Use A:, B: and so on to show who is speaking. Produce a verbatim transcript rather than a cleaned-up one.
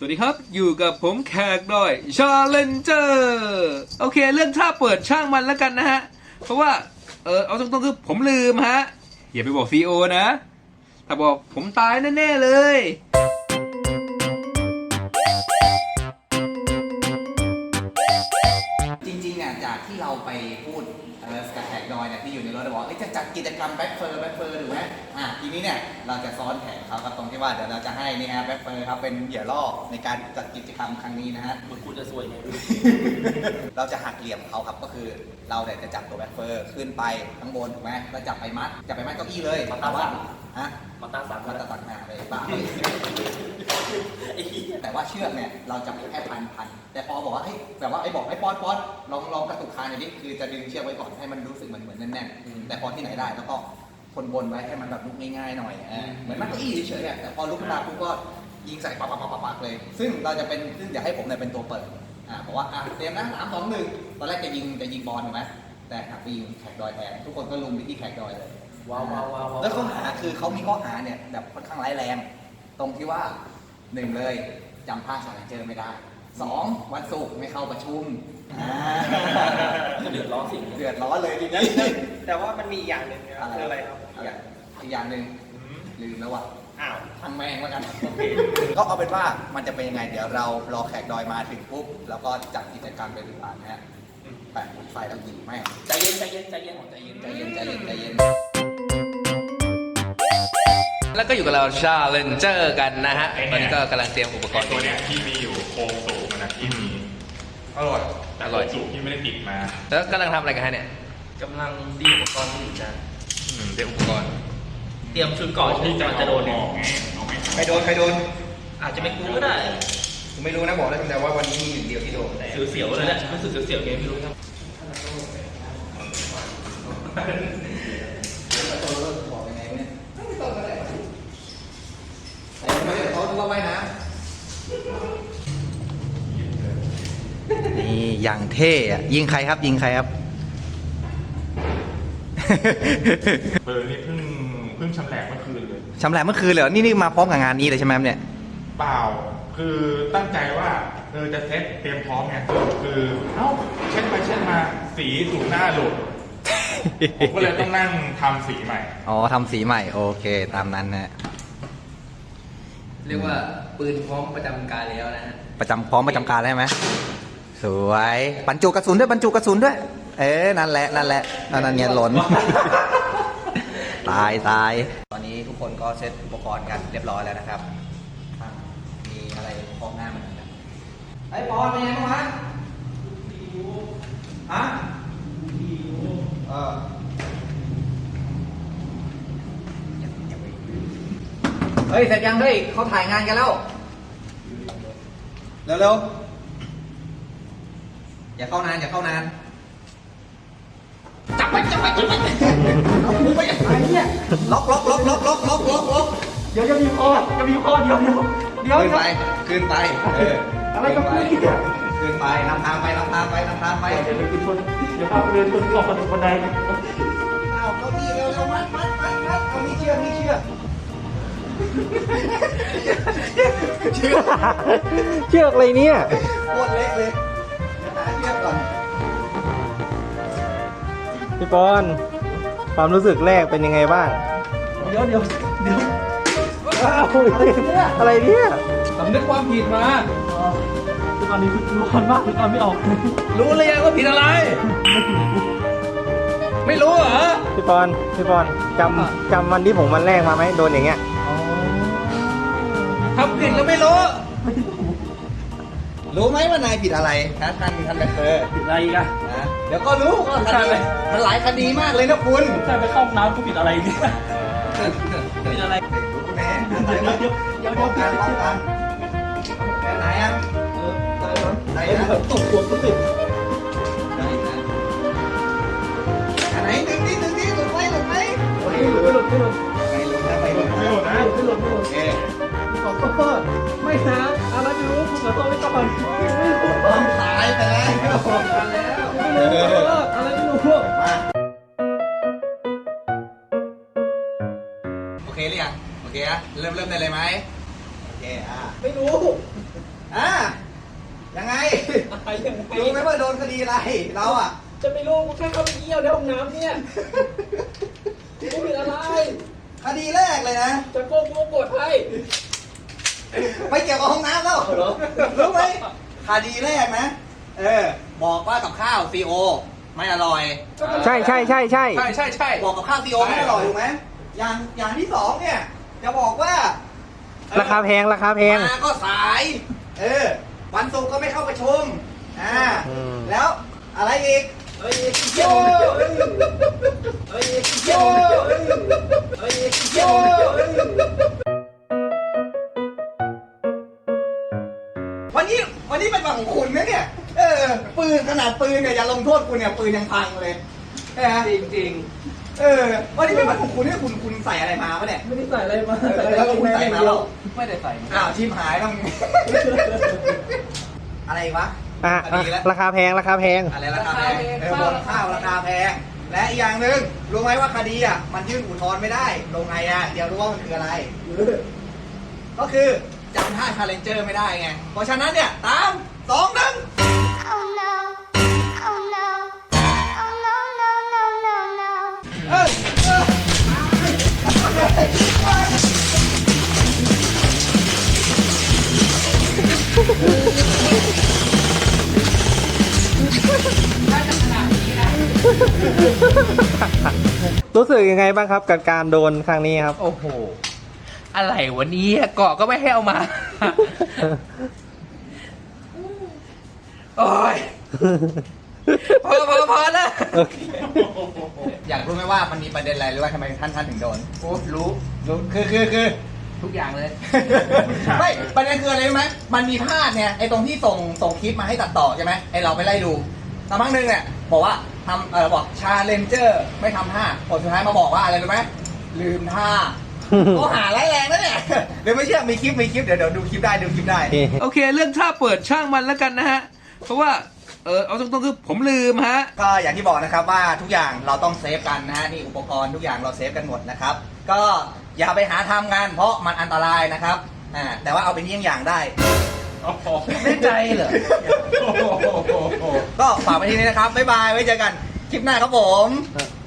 A: วัสดีครับอยู่กับผมแขกดอยชาเลนเจอร์โอเคเรื่องท่าเปิดช่างมันแล้วกันนะฮะเพราะว่าเออเอาตรงๆคือผมลืมฮะอย่าไปบอกซีโอนะถ้าบอกผมตายแน่ๆเลย
B: จริงๆอ่ะจากที่เราไปพูดอะไรกับแขกดอยเนี่ยที่อยู่ในรถเราบอกจะจัดกิจกรรมแบ็คเฟอร์แบ็คเฟอร์ถูกไหมอ่ะทีนี้เนี่ยเราจะซ้อนแผนเขาครับตรงที่ว่าเดี๋ยวเราจะให้นี่ฮะแบ็คเฟอร์ครับเป็นเหยื่อล่อในการจัดกิจกรรมครั้งนี้นะฮะ
C: มึงกูจะซวยไง
B: เราจะหักเหลี่ยมเขาครับก็คือเราเนี่ยจะจับตัวแบ็คเฟอร์ขึ้นไปข้างบนถูกไหมแล้วจับไปมัดจับไปมัดเก้าอี้เลยแต่ว่าฮะ
C: มาตาสาม
B: มาตะตักหน้าเลยบ้าแต่ว่าเชือกเนี่ยเราจะแค่พันพันแต่พอบอกว่าเฮ้ยแบบว่าไอ้บอกไอ้ปอนปอนลองลองกระตุกคางหน่อยดิคือจะดึงเชือกไว้ก่อนให้มันรู้สึกเหมือนเหมือนแน่นๆแต่พอที่ไหนได้แล้วก็คนบนไว้ให้มันแบบลุกง่ายๆหน่อยเหมือนมันก็อี้เฉยๆแต่พอลุกขึ้นมาปุ๊บก็ยิงใส่ปักปักปักปักเลยซึ่งเราจะเป็นซึ่งอยากให้ผมเนี่ยเป็นตัวเปิดอ่าบอกว่าอ่ะเตรียมนะสามสองหนึ่งตอนแรกจะยิงจะยิงบอลถูกไหมแต่หักไปยิงแขกดอยแทนทุกคนก็ลุมไปที่แขกดอยเลย
C: ว้าวว้าวว้าว
B: แล้วข้อหาคือเขามีข้อหาเนี่ยแบบค่อนข้างร้ายแรงตรงที่ว่าหนึ่งเลยจำภาคชาเลนเจอร์ไม่ได้สองวันศุกร์ไม่เข้าประชุม
C: เดือดร้อนสิ
B: เดือดร้อนเลยทีนี้
D: แต่ว่ามันมีอย่างหนึ่งนะครับคืออะไรครับ
B: อีกอย่างหนึ่งลืมแล้วว่ะ
D: อ้าว
B: ทางแมงแล้วกันก็เอาเป็นว่ามันจะเป็นยังไงเดี๋ยวเรารอแขกดอยมาถึงปุ๊บแล้วก็จัดกิจกรรมไปดูอ่านนะฮะแปะไฟแล้วยิงแม่ง
C: ใจเย็นใจเย็นใจเย็น
B: ใจเย็นใจเย็นใจเย็นใจเย็น
A: แล้วก็อยู่กับเราชาเลนเจอร์กันนะฮะตอนนี้ก็กำลังเตรียมอุปกรณ์
E: ตัวเนี้ยที่มีอยู่โครงสูงมันนะที่มีอร่อยแต่โครงสูงที่ไม่ได้ติดมา
A: แล้วกำลังทำอะไรกันฮะเนี่ย
C: กำลังดีอุปกรณ์อยู่จ้ะ
A: เตรียมอุปกรณ์
C: เตรียมชุดก่อนที่จะจะโดนเนี่ย
B: ใครโดนใครโดน
C: อาจจะไม่กูก็ได้
B: ผมไม่รู้นะบอกได้แต่ว่าวันนี้มีหนึ่งเดียวที่โดนแต่
C: เสียวๆเลยแหละรู้สึกเสียวๆไงไม่รู้ครับ
B: บอกยังไงเนี่ยเขาต้องว่ายน้ำนี่อย่างเท่อะยิงใครครับยิงใครครับ
E: เออนี่เพิ่งเพิ่งชำแหละเมื่อคืนเลย
B: ชำแหละเมื่อคืนเลยนี่นี่มาพร้อมกับงานนี้เลยใช่ไหมเนี่ย
E: เปล่าคือตั้งใจว่าเออจะเซ็ตเตรียมพร้อมไงคือเอ้าเช็ดไปเช็ดมาสีถูกหน้าหลุดผมก็เลยต้องนั่งทำสีใหม่
B: อ๋อทำสีใหม่โอเคตามนั้นนะ
A: เรียกว่าปืนพร้อมประจำการแล้วนะฮะ
B: ประจำพร้อมประจำการได้ไหมสวยบรรจุกระสุนด้วยบรรจุกระสุนด้วยเอ๊ะนั่นแหละนั่นแหละนั่นเนี่ยหล่นตายตายตอนนี้ทุกคนก็เซตอุปกรณ์กันเรียบร้อยแล้วนะครับมีอะไรพร้อมหน้ามันกันไอ้ปอนเป็นยังไงบ้างฮะฮะเออเฮ้ยเสร็จยังเฮ้ยเขาถ่ายงานกันแล้วเร็วๆอย่าเข้านานอย่าเข้านานจับไปจับไปจับไปเอากูไปอะไรเนี่ยล็อกล็อกล็อกล็อกล็อกล็อกล็อกล็อก
D: เดี๋ยวจะมีข้อจะมีข้อเดียวเดียวเดี๋ยว
B: ขึ้นไปขึ้นไปเออ
D: อะไรกับพี่เนี่ย
B: ขึ้นไปนำทางไปนำทางไปนำทางไป
D: เดี๋ยวไปชนเดี๋ยวพาไปเดินชนขอบประตูบันได
B: เอาเก้าอี้เร็วเร็วมัดมัดมัดมัดเอามีเชือกมีเชือก
D: เชือกเชือกอะไรเนี่ย
B: โคตรเล็กเลยหาเชือกก่อน
D: พี่ปอนความรู้สึกแรกเป็นยังไงบ้างเดี๋ยวเดี๋ยวเดี๋ยวอะไรเนี่ย
A: สำนึกความผิดมา
D: ตอนนี้ร้อนมากตอนไม่ออก
A: รู้เลยยังว่าผิดอะไรไม่รู้เหรอ
D: พี่ปอนพี่ปอนจำจำวันที่ผมวันแรกมาไหมโดนอย่างเงี้ย
A: ทำผิดแล้วไม่รู้
B: รู้ไหมว่านายผิดอะไรนะท่านท่านแบคเตอร์
D: ผิดอะไรกัน
B: นะเดี๋ยวก็รู้ก็คดีมันหลายคดีมากเลยนะคุณ
D: ใช่ไปเข้าน้ำก็ผิดอะไรเนี่ยผิดอะไร
B: แม่
D: เดี๋ยวเดี๋ยวเดี๋ยวเดี๋ยว
B: การป้องกันแค่ไหนอ่ะเออไหนนะ
D: ตกหัวก็ติด
B: ไหนนะไหนดึงดิดึงดิหลุดไหมหลุดไหม
D: ไม่หลุดไม่หลุดไม่หลุด
B: ไม่หลุดนะไม่หลุด
D: ไม่หลุดนะไม่หลุดไม่หลุดโอเคขอโทษไม่นะอะไรไม่รู้ผมขอโทษไม่ต้องไม่รู้
B: ต้องตายไปแล้วไม่รู้
D: อะไรไม่รู้
B: มาโอเคหรือยังโอเคอะเริ่มเริ่มได้เลยไหมโอเคอ่ะ
D: ไม่รู้
B: รู้ไหมว่าโดนคดีอะไรเราอ่ะ
D: จะไม่รู้กูแค่เข้าไปเยี่ยวในห้องน้ำเนี่ยกูผิดอะไร
B: คดีแรกเลยนะ
D: จะโกงกูกดให้
B: ไม่เกี่ยวกับห้องน้ำแล้วรู้ไหมคดีแรกนะ เออ บอกว่ากับข้าวซีโอไม่อร่อย
F: ใช่ใช่ใช่ใช่
A: ใช่ใช่ใช่
B: บอกกับข้าวซีโอไม่อร่อยถูกไหมอย่างอย่างที่สองเนี่ย จะบอกว่า
F: ราคาแพงราคาแพง
B: มาก็สาย เออ วันศุกร์ก็ไม่เข้าประชุม อ่า
F: อืม
B: แล้วอะไรอีก
D: เฮ้ยเยี่ยวเฮ้ยเยี่ยวเฮ้ยเยี่ยว
B: วันนี้วันนี้เป็นวันของคุณนะเนี่ย เออ ปืนขนาดปืนเนี่ยอย่าลงโทษคุณเนี่ยปืนยังพังเลยใช่ไหม
D: จริงจริง
B: เออ วันนี้เป็นวันของคุณเนี่ยคุณคุณใส่อะไรมาปะเนี่ย
D: ไม่ได้ใส่อะไรมา
B: เออแล้วคุณใส่มาแล้ว
D: ไม่ได้ใส่
B: อ้าวชิมหายต้อง อะไรวะ
F: อ่ะ
B: คดีแล้ว
F: ราคาแพงราคาแพง
B: อะไรราคาแพงเออบนข้าวราคาแพง และอีกอย่างหนึ่งรู้ไหมว่าคดีอ่ะมันยื่นอุทธรณ์ไม่ได้ ลงไงอ่ะ เดี๋ยวรู้ว่ามันคืออะไร ก็คือจำท่าชาเลนเจอร์ไม่ได้ไง เพราะฉะนั้นเนี่ย ตามสองหนึ่ง
G: Oh no, oh no, oh no, no, no, no, no.
B: เออเออ
F: รู้สึกยังไงบ้างครับกับการโดนครั้งนี้ครับ
A: โอ้โห อะไรวันนี้เกาะก็ไม่ให้เอามา โอ้ย พอพอพอแล้ว
F: โอเค
B: อยากรู้ไหมว่ามันมีประเด็นอะไรหรือว่าทำไมท่านท่านถึงโดน โอ้รู้รู้คือคือคือ
A: ทุกอย่างเลย
B: ไม่ประเด็นคืออะไรรู้ไหมมันมีพลาดเนี่ยไอ้ตรงที่ส่งส่งคลิปมาให้ตัดต่อใช่ไหมไอ้เราไปไล่ดูสักพักหนึ่งเนี่ยบอกว่าทำเออบอกชาเลนเจอร์ไม่ทำท่าผลสุดท้ายมาบอกว่าอะไรรู้ไหมลืมท่าก็หาร้ายแรงนะเนี่ยเดี๋ยวไม่เชื่อมีคลิปมีคลิปเดี๋ยวเดี๋ยวดูคลิปได้ดูคลิปได้
A: โอเค เรื่องท่าเปิดช่างมันแล้วกันนะฮะ เพราะว่า เออเอาตรงๆคือผมลืมฮะ
B: ก็อย่างที่บอกนะครับว่าทุกอย่างเราต้องเซฟกันนะฮะนี่อุปกรณ์ทุกอย่างเราเซฟกันหมดนะครับ ก็อย่าไปหาทำกันเพราะมันอันตรายนะครับอ่าแต่ว่าเอาเป็นเยี่ยงอย่างได้
A: ไม่ใจเหรอ
B: ก็ฝากไว้ที่นี้นะครับบ๊ายบายไว้เจอกันคลิปหน้าครับผม